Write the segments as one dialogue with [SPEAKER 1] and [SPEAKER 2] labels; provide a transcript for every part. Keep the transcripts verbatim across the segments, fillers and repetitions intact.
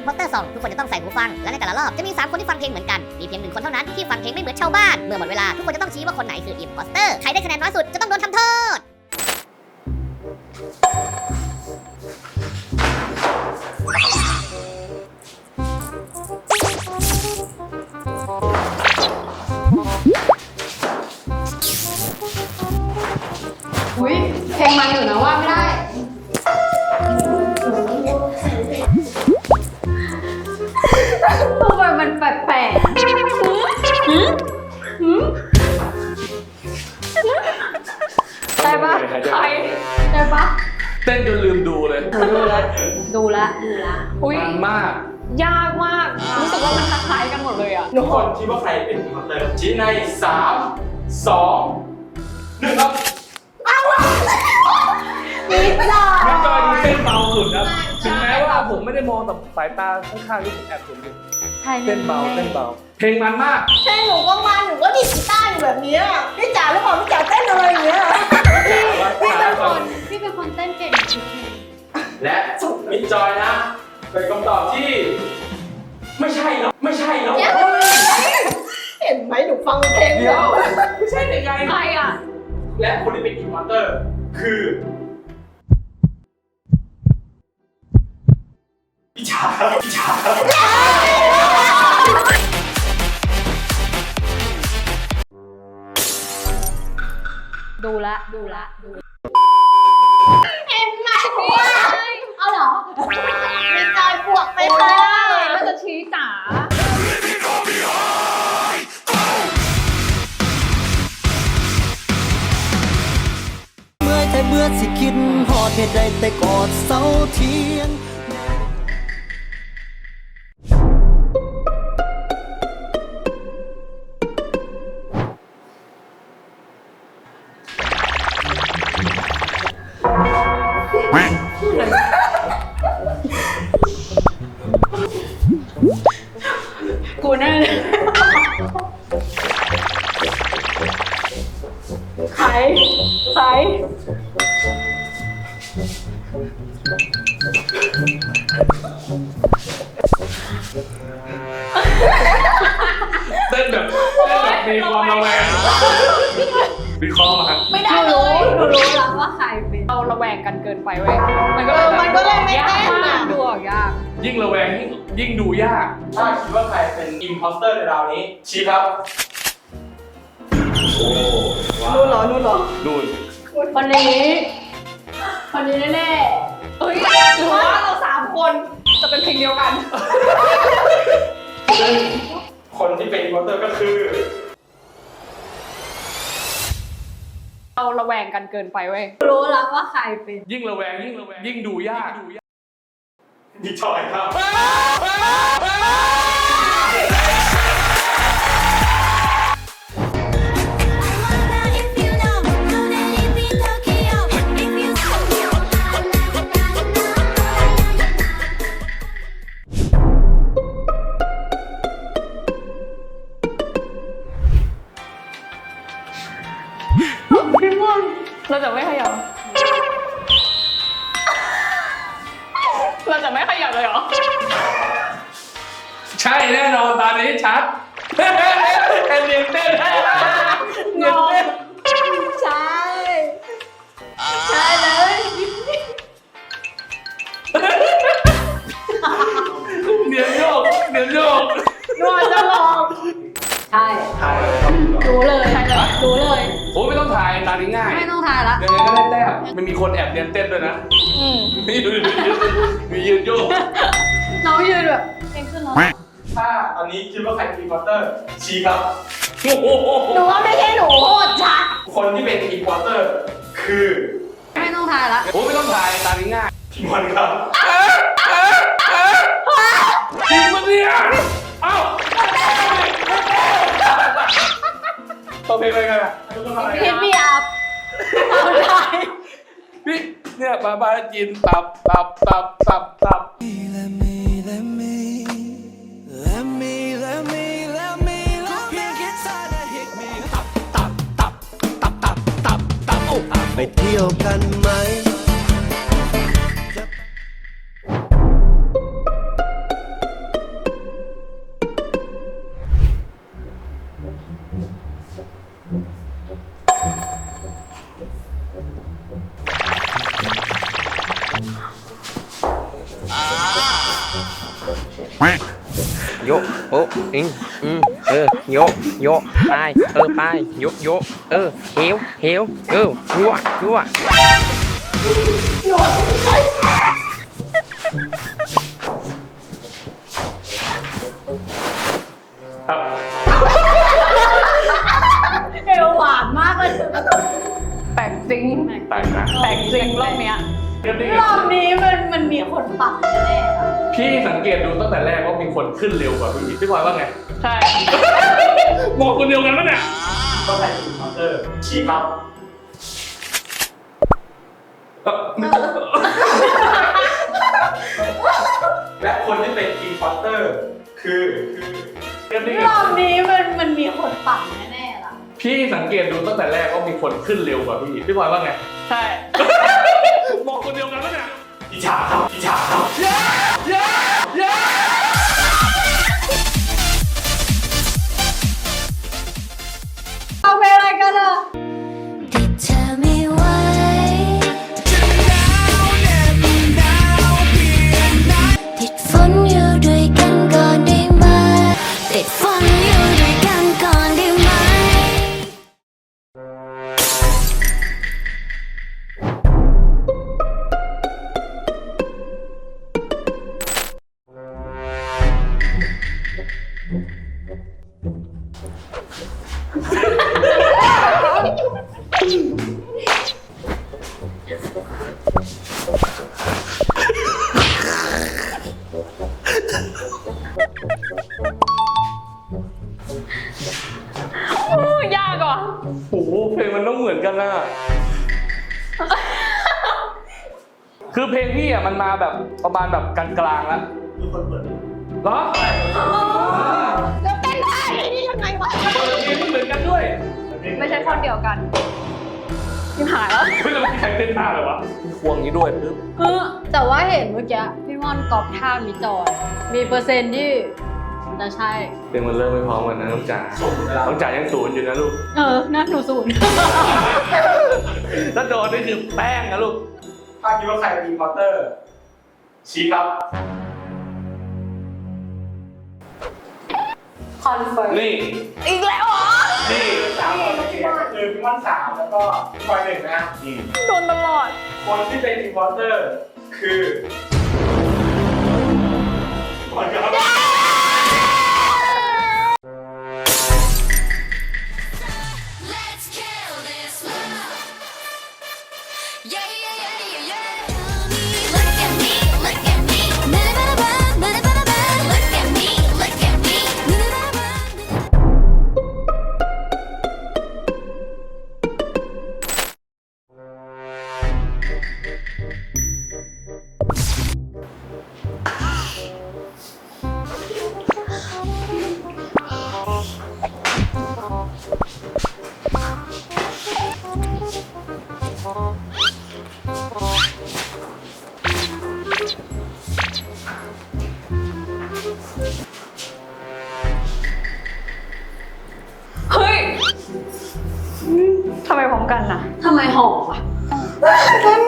[SPEAKER 1] Imposter Song ทุกคนจะต้องใส่หูฟังและในแต่ละรอบจะมีสามคนที่ฟังเพลงเหมือนกันมีเพียงหนึ่งคนเท่านั้นที่ฟังเพลงไม่เหมือนชาวบ้านเมื่อหมดเวลาทุกคนจะต้องชี้ว่าคนไหนคือ Imposter ใครได้คะแนนน้อยสุดจะต้องโดนทำโทษ
[SPEAKER 2] อุ้ยเพลงมันอยู่นะว่าไม่ได้ทำไมมันแปลกๆได้ปะใครได้ปะ
[SPEAKER 3] เต้นจนลืมดูเลย
[SPEAKER 2] ดูละดูละดูละอุ้ย
[SPEAKER 3] มันมาก
[SPEAKER 2] ยากมากรู้สึกว่ามันคล้ายๆกันหมดเลยอ่ะ
[SPEAKER 4] ทุกคนคิดว่าใครเป็นอิมพอร์เตอร์ชี้ในสามสองหนึ่งครับ
[SPEAKER 2] นิดหน่อย
[SPEAKER 3] ไม่จอยดูเต้นเบาสุดครับถึงแม้ว่าผมไม่ได้มองแต่สายตาข้างๆที่ผมแอบเห็นอยู่เต้นเบาเต้นเบาเพลงมันมาก
[SPEAKER 5] ใช่หนูก็มันหนูก็ดีดกีตาร์อยู่แบบนี้พี่จ๋าหรือเปล่าพี่จ๋าเต้นอะไรอย่างเงี้ย
[SPEAKER 2] พี่เป็นคนพี่เป็นคนเต้นเก่งจริง
[SPEAKER 4] และมิจอยนะเป็นคำตอบที่ไม่ใช่แล้วไม่ใช่แล้ว
[SPEAKER 5] เห็นไหมหนูฟังเพลง
[SPEAKER 4] เดี๋ยวไม่ใช่ได้ไง
[SPEAKER 2] ใครอ่ะ
[SPEAKER 4] และคนที่เป็นอิมพอร์เตอร์คือพี่จ๋าพี่จ๋า
[SPEAKER 2] ดูละดูละดู
[SPEAKER 5] เห็นไหมว่าเอาเหรอมีจอยบวกไปค่ะ
[SPEAKER 2] มันจะชี้จ๋า
[SPEAKER 6] เมื่อแต่เมื่อสิคิดหอดเหตุใดแต่กอดเสาเทียน
[SPEAKER 2] กูแน่เลยใครใคร
[SPEAKER 3] เต้นแบบเต้นแบบมีความระแวงวิเคราะห์มา
[SPEAKER 5] ไม่ได้เล
[SPEAKER 2] รู้
[SPEAKER 5] ย
[SPEAKER 2] หนูรู้แล้วว่าใครเป็นเราระแวงกันเกินไปเว้ยมันก็
[SPEAKER 5] เออมันก็เลยไม่
[SPEAKER 2] ยาก
[SPEAKER 5] เต้น
[SPEAKER 2] มา
[SPEAKER 5] อ่ะ
[SPEAKER 2] กดูออกยาก
[SPEAKER 3] ยิ่งระแวงยิ่งยิ่งดูยาก
[SPEAKER 4] ถ้าคิดว่าใครเป็นอิมพอร์เตอร์ในราวนี้ชี้ครับโอ้
[SPEAKER 5] นู่นเหรอนู่นเหรอ
[SPEAKER 3] ดูน
[SPEAKER 2] คนนี้คนนี้แน่ๆเฮ้ยหรือว่าเราสามคนจะเป็นเพลงเดียวกัน
[SPEAKER 4] ซึ่งคนที่เป็นอิมพอร์เตอร์ก็คือ
[SPEAKER 2] เราระแวงกันเกินไปเว้ยรู้แล้วว่าใครเป็น
[SPEAKER 3] ยิ่งระแวงยิ่งระแวงยิ่งดูยาก
[SPEAKER 4] พี่จอยครับ
[SPEAKER 2] พี่ม่วงเราจะไม่ขยับเราจะไม่ขยับเลยเหรอ
[SPEAKER 3] ใช่แน่นอนตอนนี้ชัดเอ็นเต้นเต้นเต้นเต้น
[SPEAKER 5] ใช่ใช่เลย
[SPEAKER 3] เดี๋ยวโยกเดี๋ยวโยก
[SPEAKER 5] นวดจะลอง
[SPEAKER 2] ใช่รู้เลยใช่เลยรู้เลย
[SPEAKER 3] โอ้ไม่ต้องถ่ายตานี้ง่าย
[SPEAKER 2] ไม่ต้องถ่ายละ
[SPEAKER 3] ยังไงก็ได้แต้มมันมีคนแอบเรียนเต้นด้วยนะมียืนมียืนโยก
[SPEAKER 2] น้องยืนแบบเพลงขึ้นแล้ว
[SPEAKER 4] ถ้าตอนนี้คิดว่าใครเป็นอิมพอร์เตอร์ชี้ครับ
[SPEAKER 5] หนูว่าไม่ใช่หนูโคตรชัด
[SPEAKER 4] คนที่เป็นอิมพอร์เตอร์คือ
[SPEAKER 2] ไม่ต้องถ่ายละ
[SPEAKER 3] โอ้ไม่ต้องถ่ายตานี้ง่าย
[SPEAKER 4] พี่มอนครับ
[SPEAKER 3] จริงปะเนี่ยเอ้าตัวเพลงอะไรกันอ่ะ
[SPEAKER 2] พิทมีอัพเอาได้
[SPEAKER 3] พี่เนี่ยบาบาจินตับตับตับตับตับ
[SPEAKER 6] ไปเที่ยวกันไหม
[SPEAKER 7] โยโอ้อิงอืมเออโยโยไปเออไปโยโยเออเฮวเฮวเออยั่วยั่ว
[SPEAKER 3] ครับ
[SPEAKER 2] เอวหวานมากเลยแปลกจริง
[SPEAKER 3] แปลกนะ
[SPEAKER 2] แปลกจริงรอบเนี้ย
[SPEAKER 3] เรื่องนี้
[SPEAKER 2] รอบนี้มันมันมีคนปักแน่ๆอะ
[SPEAKER 3] พี่สังเกตดูตั้งแต่แรกว่ามีคนขึ้นเร็วกว่าพี่พี่พลอยว่าไง
[SPEAKER 2] ใช่
[SPEAKER 3] มองคนเดียวกันปะเนี่ย
[SPEAKER 4] ก็ใครเป็นมอนเตอร์ชี้ครับ
[SPEAKER 3] เอ่อ
[SPEAKER 4] และคนที่เป็นอินพอร์เตอร์คือคือ
[SPEAKER 3] เรื่องนี้
[SPEAKER 2] รอบนี้มันมันมีคนปักแน่ๆล่ะ
[SPEAKER 3] พี่สังเกตดูตั้งแต่แรกว่ามีคนขึ้นเร็วกว่าพี่พี่พลอยว่าไง
[SPEAKER 2] ใช่
[SPEAKER 3] มองคนเดียวกันปะเนี่ย
[SPEAKER 4] อิจฉาครับอิจฉาครับ
[SPEAKER 2] เอาไปอะไรกันอ่ะ
[SPEAKER 5] ติดเธอไม่ไหวติดฝนอยู่ด้วยกันก่อนได้ไหมติดฝนอยู่ด้วยกันก่อนได้ไหม
[SPEAKER 2] ยากว่ะ
[SPEAKER 3] โอ้โหเพลงมันต้องเหมือนกันนะคือเพลงพี่อ่ะมันมาแบบประมาณแบบกลางๆแล้ว
[SPEAKER 4] ทุกคนเปิด
[SPEAKER 3] เหรอ
[SPEAKER 2] แล้วเต้นได้ยังไงวะ
[SPEAKER 3] เปิดเพลงไม่เหมือนกันด้วย
[SPEAKER 2] ไม่ใช่คนเดียวกันที่หายแล้ว
[SPEAKER 3] ไม่รู้ใครเต้นท่าเลยวะควงนี้ด้วยปึ๊บ
[SPEAKER 2] เออแต่ว่าเห็นเมื่อกี้พี่ม่อนกอบท่ามีจอยมีเปอร์เซ็นต์ที่จะใช่
[SPEAKER 3] เพลงมันเริ่มไม่พร้อมกันนะน้องจ๋าน้องจ๋ายังศูนย์อยู่นะลูก
[SPEAKER 2] เออน่าหนูศูนย์
[SPEAKER 3] ถ้าโดนนี่คือแป้งนะลูก
[SPEAKER 4] ถ้าคิดว่าใครเป็นอินพอร์เตอร์ชี้ครับ
[SPEAKER 2] คอนเฟิร์ม
[SPEAKER 3] นี่
[SPEAKER 2] อีกแล้วเหรอ
[SPEAKER 3] นี่
[SPEAKER 4] สามคนเองคือพี่ม่อนสามแล้วก็พี่พลอยหนึ่งนะ
[SPEAKER 3] อืม
[SPEAKER 2] โดนตลอด
[SPEAKER 4] คนที่เป็นอินพอร์เตอร์คือพลอยครับ
[SPEAKER 5] Let's kill this love. Yeah, yeah, yeah, yeah, yeah. Look at me, look at me. Ba-da-ba-da-ba, ba-da-ba-da-ba. Look at me, look at me. Ba-da-ba-da-ba.
[SPEAKER 2] เฮ้ยทำไมพร้อมกันนะทำไมหอมอ่ะ
[SPEAKER 3] อืม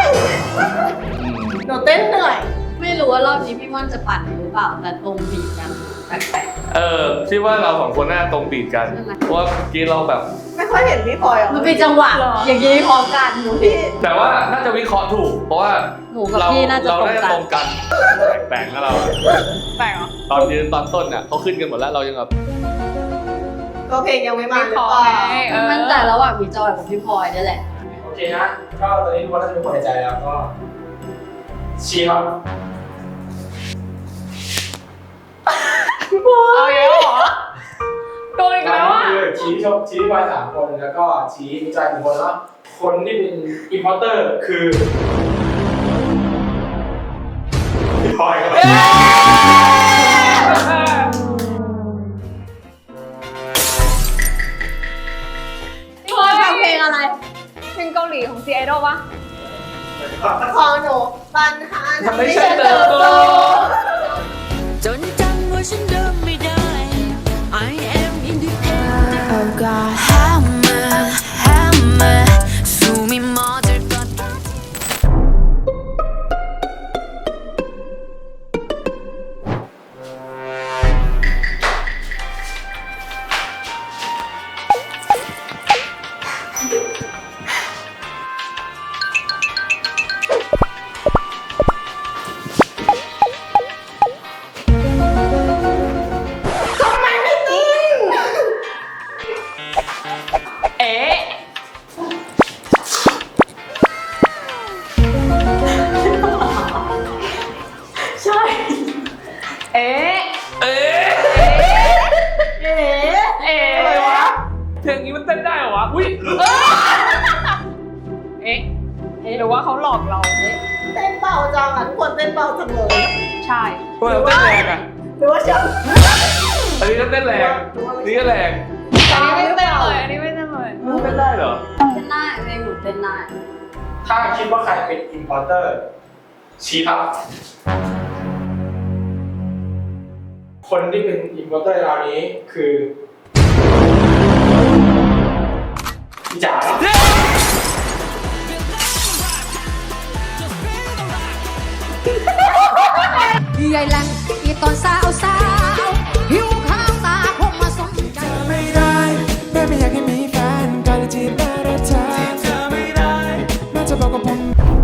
[SPEAKER 2] หนูเต้นเหนื่อย ไม่รู้ว่ารอบนี้พี่ม่อนจะปั่นหรือเปล่าแต่ตรงบีบกันแปลก
[SPEAKER 3] เออคิดว่าเราสองคนน่าตรงบีดกัน
[SPEAKER 2] ใช่ไหม
[SPEAKER 3] เพราะว่าเมื่อกี้เราแบบ
[SPEAKER 8] ไม่ค่อยเห็นพี่พลอยอ่ะ
[SPEAKER 2] ๆมันเป็นจังหวะอย่างนี้พร้อมกันหนูพี่
[SPEAKER 3] แต่ว่าน่าจะวิเคราะห์ถูก เพราะว่า
[SPEAKER 2] หนูกับ
[SPEAKER 3] เรา
[SPEAKER 2] พี่น่าจะ
[SPEAKER 3] เรา
[SPEAKER 2] ตรง
[SPEAKER 3] ได้
[SPEAKER 2] กัน
[SPEAKER 3] ตรงกันแปลกๆนะเรา
[SPEAKER 2] แปลกเหรอ
[SPEAKER 3] ตอนยืนตอนต้นเนี่ยเขาขึ้นกันหมดแล้วเรายังแบบ
[SPEAKER 8] ก็เพลงยังไม่มาหรือ
[SPEAKER 2] ขอ
[SPEAKER 8] เปล่า
[SPEAKER 2] ไงเออมั่นใจระหว่างพี่จอยกับพี่พลอยนี่แหละ
[SPEAKER 4] โอเคนะก็ตอนนี้ทุกคนน่าจะมีคนในใจแล้วก็ชี้ครับ
[SPEAKER 2] เอาเยอะเหรอโดนอีกแล้วอ่ะ
[SPEAKER 4] คือชี้ชมชี้พลอยสามคนแล้วก็ชี้ใจหนึ่งคนแล้วคนที่เป็นอินพอร์เตอร์คือพี่พลอยครับ
[SPEAKER 2] พี่พลอยฟังเพลงอะไร เพลงเกาหลีของ ซี ไอดอล ปะ
[SPEAKER 8] ของหนูปัญหา
[SPEAKER 3] ทำให้ฉันเติบโต
[SPEAKER 6] จนจำว่าฉันเดินไม่ได้ I am independent
[SPEAKER 5] Oh God, how
[SPEAKER 2] เอ๊ะหรือว่าเขาหลอกเราเอ๊ะ
[SPEAKER 8] เต้นเบาจังอ่ะทุกคนเต้นเบาจังเลย
[SPEAKER 2] ใช่
[SPEAKER 3] ทำไมเราเต้นแรงอ่ะ
[SPEAKER 8] หรือว่าฉัน
[SPEAKER 3] อันนี้ก็เต้นแรงอันนี้ก็แรง
[SPEAKER 2] อันนี้ไม่เต้นเลยอันนี้ไม่เต้นเลย
[SPEAKER 3] เต้นได้เหรอ
[SPEAKER 2] เต้นได้เพลงหนูเต้นได้
[SPEAKER 4] ถ้าคิดว่าใครเป็น importer ชี้ครับ คนที่เป็น importer ราวนี้คือพี่จ๋าครับ
[SPEAKER 5] ใหญ่แหลงอีตอนสาวสาวหิวข้าวตาคงมาสนใจ
[SPEAKER 6] ไม่ได้แม่ไม่อยากให้มีแฟนการจะจีบได้แต่เธอเธอไม่ได้แม่จะบอกกับผม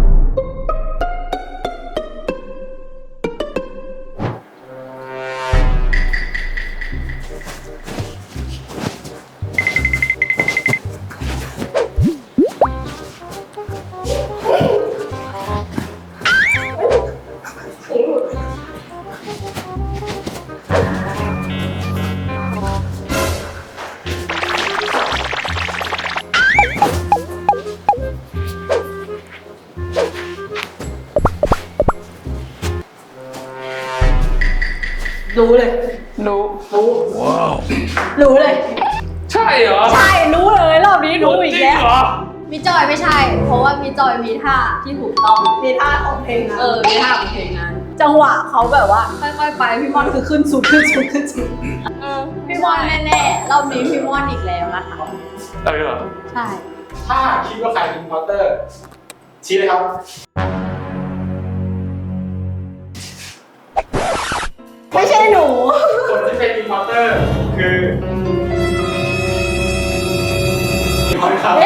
[SPEAKER 2] รู้เลย รู้ รู้ รู้เลย
[SPEAKER 3] ใช่เหรอ
[SPEAKER 2] ใช่ รู้เลยรอบนี้รู้อีก
[SPEAKER 3] จริง
[SPEAKER 2] แล้ว
[SPEAKER 3] เหรอ
[SPEAKER 2] มีจอยไม่ใช่ เพราะว่ามีจอยมีท่าที่ถูกต้อง
[SPEAKER 8] มีท่าของเพลงนะ
[SPEAKER 2] เออ มีท่าของเพลงนั้น จังหวะเขาแบบว่าค่อยๆไป พี่มอนคือขึ้นสุดขึ้นสุดขึ้นสุดเออพี่มอนแน่ๆรอบนี้พี่มอนอีกแล้วนะคะ
[SPEAKER 3] อะไรเหรอ
[SPEAKER 2] ใช่
[SPEAKER 4] ถ้าคิดว่าใครเป็น importer ชี้เลยครับ
[SPEAKER 8] ไม่ใช่หนู
[SPEAKER 4] คนที่เป็น importer คือพี่พลอยครับ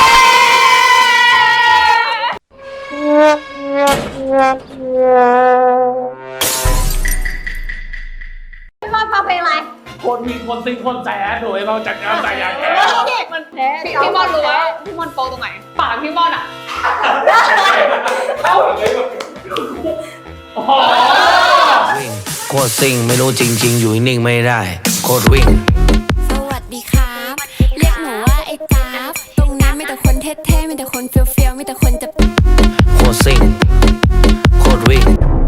[SPEAKER 2] พี่มอนฟังเพลงอะไร
[SPEAKER 3] คนมีคนซิงคนแสนโดยเราจัดงานแต่อย่างแก่
[SPEAKER 2] มันแพ้พี่พี่มอนรู้ว่าพี่มอนโปตรงไหน ปากพี่มอนอ่ะ
[SPEAKER 4] เข้าเลย
[SPEAKER 3] อ๋อ
[SPEAKER 9] วิ่งโคตรซิ่งไม่รู้จริง ๆ อยู่นิ่งไม่ได้โคตรวิ่ง
[SPEAKER 5] สวัสดีครับ เรียกหนูว่าไอ้จ๊าบตรงนั้นมีแต่คนเท่ๆมีแต่คนเฟี้ยวๆมีแต่คนจะ
[SPEAKER 9] โคตรซิ่งโคตรวิ่ง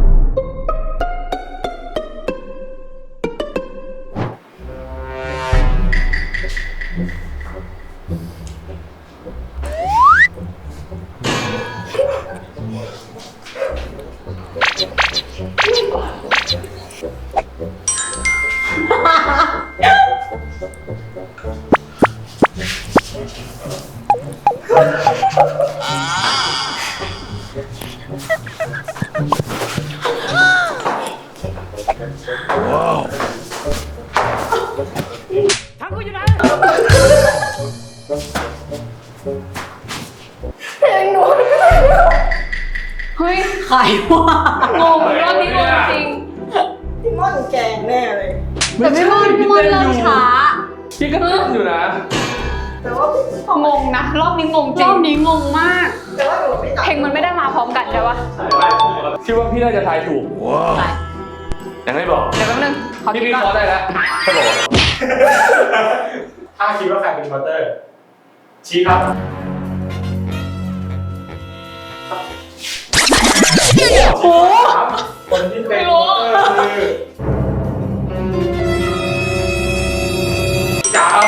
[SPEAKER 2] เฮ้ยใครวะงงรอบนี้งงจริง
[SPEAKER 8] พี่ม่อนแกงแน่เลย
[SPEAKER 2] แต่พี่มอนพี่มอนเริ่มช้า
[SPEAKER 3] พี่ก็เต้นอยู่นะ
[SPEAKER 8] แต่ว่าพี่
[SPEAKER 2] งงนะ รอบนี้งงจริง รอบนี้งงมาก
[SPEAKER 8] แต่ว่าหนูไม่ตัด
[SPEAKER 2] เพลงมันไม่ได้มาพร้อมกันใช่ปะ
[SPEAKER 3] คิดว่าพี่น่าจะทายถูก
[SPEAKER 2] ใช่
[SPEAKER 3] ยังไม่บอก
[SPEAKER 2] เดี๋ยวแป๊บนึงขอ
[SPEAKER 3] พี่
[SPEAKER 2] คิด
[SPEAKER 3] พี่
[SPEAKER 2] ก่
[SPEAKER 3] ขอ
[SPEAKER 2] อน
[SPEAKER 3] ได้แล้วเขาบอก
[SPEAKER 4] ถ้าคิดว่าใครเป็น importer ชี้ครับ
[SPEAKER 2] โอ้
[SPEAKER 4] คนที่เป็น importer คือจ๋าครับ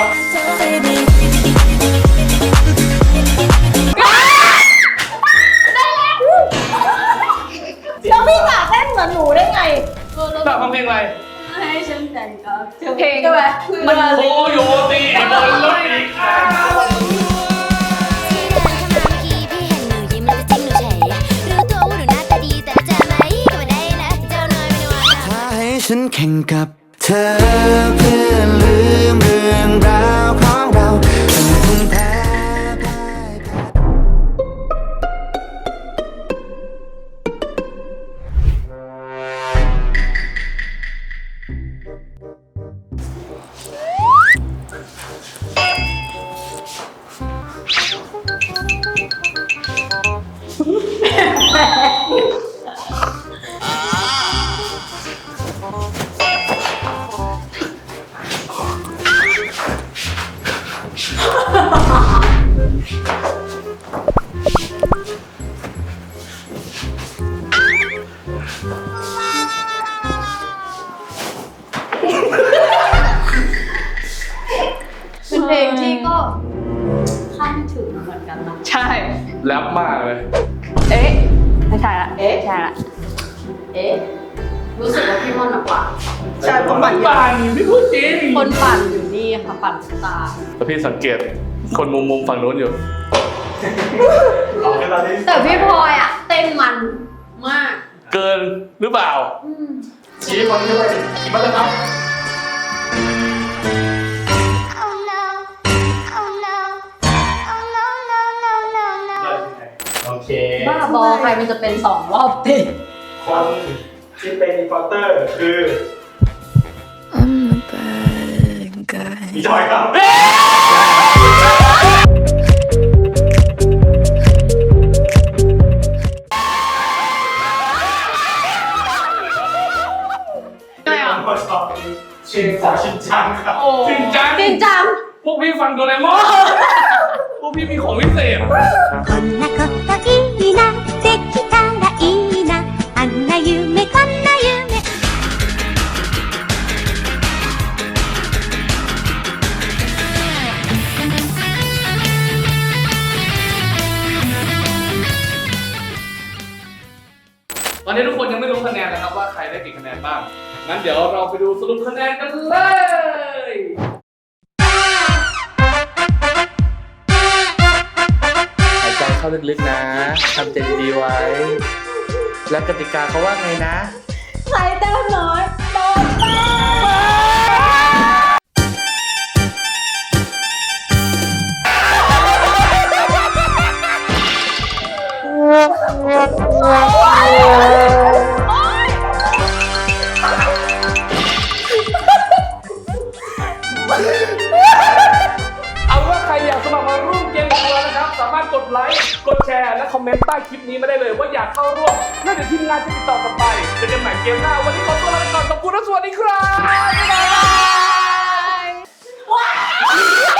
[SPEAKER 8] แล้วพี่จ๋าเต้นเหมือนหนูได้ไง
[SPEAKER 3] แบบฟังเพลงอะไร
[SPEAKER 2] ให้ฉันแต่งกับเธอเพลง
[SPEAKER 8] ใช่ไหม
[SPEAKER 2] มัน
[SPEAKER 3] โคโยตีบนรถอีกแล้ว
[SPEAKER 5] ที่เดินเข้ามาเมื่อกี้พี่เห็นหนูยิ้มแล้วจะจิ้มหนูเฉยรู้ตัวว่าหนูหน้าตาดีแต่จะไหมก็ไม่ได้นะเจ้าน้อยไม่ได้ว่านะ
[SPEAKER 6] ถ้าให้ฉันแข่งกับเธอเพื่อลืมเรื่องราวของเราฉันคงแพ้พ่ายแพ้
[SPEAKER 3] เ
[SPEAKER 2] ถึงเหมือนกันนะ
[SPEAKER 8] ใช่
[SPEAKER 3] แรปมากเลย
[SPEAKER 8] เอ๊ะ ไม่ใช่ละ เอ๊ะ ใช่ละ
[SPEAKER 2] เอ๊ะรู้สึกว่าพี่ม่อนหนักกว่า
[SPEAKER 8] ใช่ผมปั่น
[SPEAKER 3] ป่านไม่พูดจริง
[SPEAKER 2] คนปั่นอยู่นี่ค่ะปั่นสตาร์
[SPEAKER 3] แต่พี่สังเกตคนมุมมุมฝั่งนู้นอยู่
[SPEAKER 4] เอาแค่ตอนนี้
[SPEAKER 2] แต่พี่พลอยอ่ะเต้นมันมาก
[SPEAKER 3] เกินหรือเปล่า
[SPEAKER 4] ชี้คนที่ไปอีกมาเลยครับ
[SPEAKER 5] Oh no, oh no, oh no, no, no, no, no.
[SPEAKER 4] โอเค
[SPEAKER 2] บ้าบอใครมันจะเป็นสองรอบติด
[SPEAKER 4] คนที่เป็นอินพอร์เตอร์คือมีจอยครับ
[SPEAKER 2] ไม่เอา
[SPEAKER 4] ชินสาชินจังครับ
[SPEAKER 3] จริงจัง
[SPEAKER 2] จริงจัง
[SPEAKER 3] พวกพี่ฟังโดเรมอนพวกพี่มีของพิเศษ
[SPEAKER 5] こんなこといいな、できたらいいな、あんな夢こんな夢。
[SPEAKER 3] ตอนนี้ทุกคนยังไม่รู้คะแนนนะครับว่าใครได้กี่คะแนนบ้าง งั้นเดี๋ยวเราไปดูสรุปคะแนนกันเลย หายใจเข้าลึกๆนะ ทำใจดีๆไว้ และกติกาเขาว่าไงนะ
[SPEAKER 2] ใครแต้มน้อยโดนแต้ม
[SPEAKER 3] เอาว่าใครอยากสมัครมาร่วมเกมกับเรานะครับ สามารถกดไลค์ กดแชร์ และคอมเมนต์ใต้คลิปนี้มาได้เลยว่าอยากเข้าร่วมแล้วเดี๋ยวทีมงานจะติดต่อกลับไปเจอกันใหม่เกมหน้า วันนี้ขอตัวลาไปก่อน ขอบคุณและสวัสดีครับ บ๊ายบาย